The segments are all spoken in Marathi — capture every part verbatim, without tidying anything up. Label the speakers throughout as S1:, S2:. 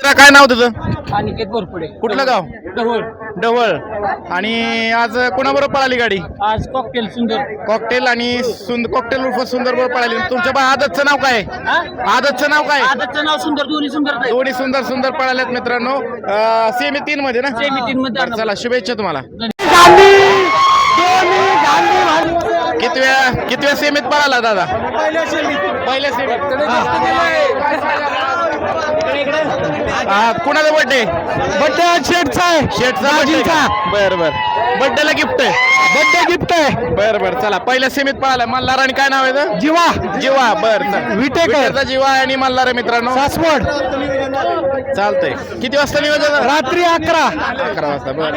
S1: काय नाव तुझं?
S2: अनिकेत बोरपुडे.
S1: कुठलं गाव?
S2: ढवळ.
S1: ढवळ. आणि आज कोणाबरोबर पळाली गाडी?
S2: आज कॉकटेल सुंदर.
S1: कॉकटेल आणि सुंदर कॉकटेल उर्फ सुंदर बरोबर पळाली. तुमच्या बा आदतचं नाव काय?
S2: हा?
S1: आदतचं नाव काय?
S2: आदतचं नाव सुंदर, दोन्ही सुंदर आहेत.
S1: दोन्ही सुंदर सुंदर पळाल्यात मित्रांनो. सेमी तीन मध्ये ना?
S2: सेमी तीन मध्ये.
S1: बरं, चला शुभेच्छा तुम्हाला. कितव्या कितव्या सेमीत पळाला दादा?
S2: पहिल्या सेमीत.
S1: पहिल्या सेमीत. हा, कुणाचा बर्थडे?
S2: बड्डे शेटचा आहे.
S1: शेटचा बर्थडे. बर बर. बर्थडेला गिफ्ट आहे.
S2: बड्डे गिफ्ट आहे.
S1: बर बर, चला पहिल्या सेमीत पळाला. मल्हार आणि काय नाव आहे?
S2: जीवा.
S1: जीवा. बर,
S2: विटेकर.
S1: जीवा आणि मल्हार आहे मित्रांनो.
S2: सासवड.
S1: चालतंय. किती वाजता नियोजन?
S2: रात्री अकरा.
S1: अकरा वाजता. बर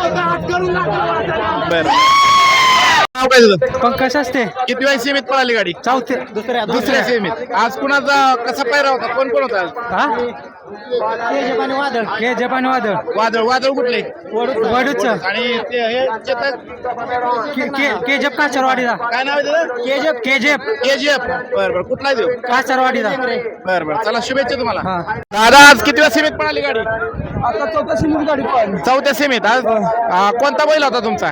S1: बर. नाव काय तुझं?
S2: पंकज असते.
S1: किती वेळ सेमीत पळाली गाडी?
S2: चौथे. दुसऱ्या
S1: दुसऱ्या सेमीत. आज कुणाचा कसा पायरा होता? कोण कोण होता?
S2: हा केजप आणि वादळ. केजप आणि वादळ.
S1: वादळ. वादळ कुठले?
S2: वडूच.
S1: आणि ते हे चेतक.
S2: केजप काचरवाडीचा.
S1: काय नाव आहे त्याचं?
S2: केजप. केजप.
S1: केजीएफ. बर बर. कुठला देऊ?
S2: काचरवाडीचा.
S1: बर बर, चला शुभेच्छा तुम्हाला.
S2: हा.
S1: दादा आज किती वेळा सेमीत पळाली गाडी?
S2: आता चौथा सीमित गाडी पळाली.
S1: चौथ्या सेमीत. आज आ, कोणता बैल होता तुमचा?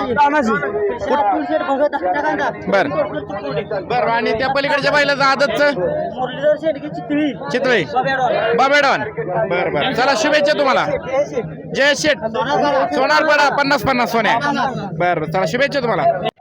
S1: बर बर. आणि त्या पलीकडच्या बैलाचं आदतचं? चितळे. बाबेडॉन. बर बर, चला शुभेच्छा तुम्हाला. जय शेठ. सोनारपाडा पन्नास पन्नास सोन्या. बर बर, चला शुभेच्छा तुम्हाला.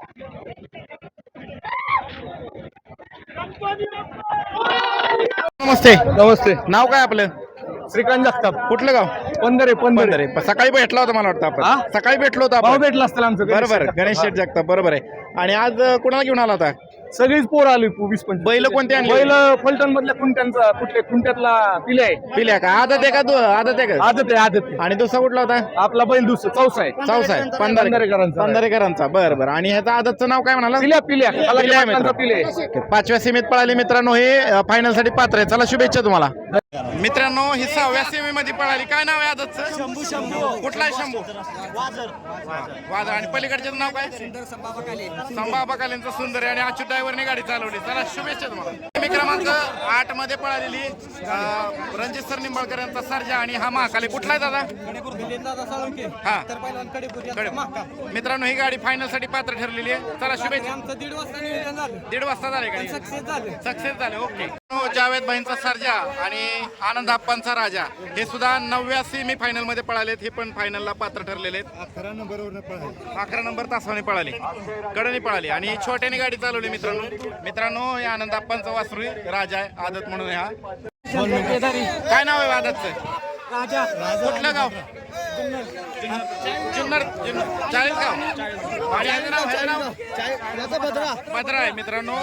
S1: नमस्ते.
S3: नमस्ते.
S1: नाव काय आपलं?
S3: श्रीकांत जगताप.
S1: कुठलं गाव?
S3: पंधरे पंधरे
S1: पंधरे. सकाळी भेटला होता मला वाटतं
S3: हा?
S1: आपण. सकाळी भेटलो होतो
S3: भाऊ
S1: आपण.
S3: भेटला असताना आमचं गणेश
S1: बरोबर,
S3: जगताप.
S1: गणेश शेठ जगताप. बरोबर आहे. आणि आज कुणाला घेऊन आला होता?
S3: सगळीच पोर आली वीस पंचवीस.
S1: बैल कोणते आणले?
S3: बैल फलटण मधल्या कुंट्यांचा कुठल्या कुंट्यातला पिल्या आहे.
S1: पिल्या का? आदत आहे का? दो आदत आहे का?
S3: आदत आहे आदत आहे.
S1: आणि दुसरा कुठला होता?
S3: आपला बैल दुसरा चौसा आहे.
S1: चौसा आहे.
S3: पंधरेकरांचा.
S1: पंधरेकरांचा. बरं बरं. आणि ह्याचा आदतचं नाव काय म्हणाला?
S3: पिल्या पिल्या
S1: पिल्या आहे
S3: पिल्या
S1: मित्र.
S3: पिल्या आहे.
S1: पाचव्या सीमेत पळाले मित्रांनो. हे फायनल साठी पात्र आहे. चला शुभेच्छा तुम्हाला. मित्रांनो ही सहाव्या सीमेमध्ये पळाली. काय नाव आहे आदतचं? शंभू. शंभू. कुठला आहे शंभू? वादळ. आणि पलीकडच्याचं नाव काय? संभा बकालेंचं सुंदर आहे. आणि अच्युत ड्रायव्हरने गाडी चालवली. चला शुभेच्छा तुम्हाला. मी क्रमांक आठ मध्ये पळालेली रणजित सर निंबाळकर यांचा सर्जा आणि हा महाकाली. कुठला आहे दादा? हा. मित्रांनो ही गाडी फायनल साठी पात्र ठरलेली आहे. चला शुभेच्छा. दीड वाजता झाले गाडी. सक्सेस झाले. ओके. जावेद भाईंचा सर्जा आणि आनंद आप्पांचा राजा हे सुद्धा नवव्या सेमी फायनल मध्ये पळालेत. हे पण फायनलला पात्र ठरलेले आहेत. अकरा नंबर अकरा नंबर तासाने पळाली. कडनी पळाली आणि छोट्याने गाडी चालवली. मित्रांनो मित्रांनो हे आनंद आप्पांचा वासरू राजा आहे. आदत म्हणून हा. काय नाव आहे आदतचं? कुठलं गाव? जुन्नर. चाळीस गाव. आणि ह्याचं नाव ह्याचं नाव भद्रा आहे. मित्रांनो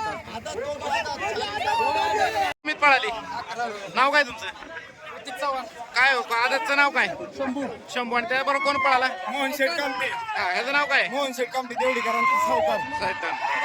S1: मी पळाली. नाव काय तुमचं? काय हो आदतचं नाव काय? शंभू. शंभू. आणि त्याबरोबर कोण पळाला?
S3: मोहन शेठ कामटे.
S1: हा, ह्याचं नाव काय?
S3: मोहन शेठ कामटे देवडीकरांचा सावकार.
S1: साहित्य.